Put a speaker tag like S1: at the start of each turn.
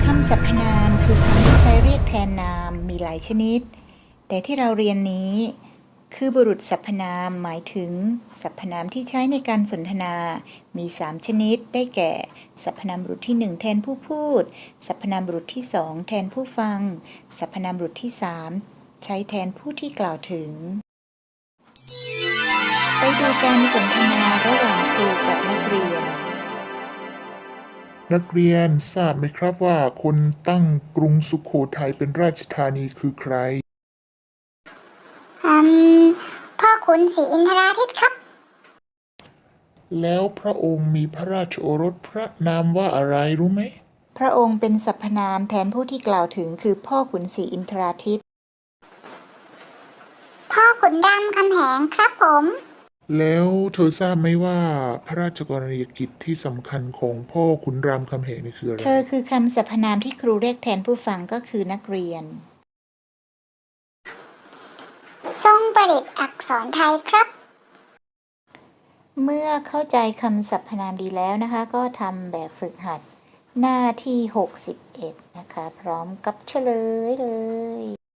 S1: ำสรรพนามคือคำที่ใช้เรียกแทนนามมีหลายชนิดแต่ที่เราเรียนนี้คือบุรุษสรรพนามหมายถึงสรรพนามที่ใช้ในการสนทนามี3ชนิดได้แก่สรรพนามบุรุษที่1แทนผู้พูดสรรพนามบุรุษที่2แทนผู้ฟังสรรพนามบุรุษที่3ใช้แทนผู้ที่กล่าวถึงไปดูการสนทนาระหว่างครูกับนักเรียน
S2: นักเรียนทราบไหมครับว่าคนตั้งกรุงสุโขทัยเป็นราชธานีคือใคร
S3: อืมพ่อขุนศรีอินทราทิตครับ
S2: แล้วพระองค์มีพระราชโอรสพระนามว่าอะไรรู้ไหม
S1: พระองค์เป็นสรรพนามแทนผู้ที่กล่าวถึงคือพ่อขุนศรีอินทราทิตย์
S3: พ่อขุนรามคำแหงครับผม
S2: แล้วเธอทราบไหมว่าพระราชกรณียกิจที่สำคัญของพ่อขุนรามคำแหงนี่คืออะไร
S1: เธอคือคำสรรพนามที่ครูเรียกแทนผู้ฟังก็คือนักเรียน
S3: ทรงประดิษฐ์อักษรไทยครับ
S1: เมื่อเข้าใจคำสรรพนามดีแล้วนะคะก็ทำแบบฝึกหัดหน้าที่61นะคะพร้อมกับเฉลยเลย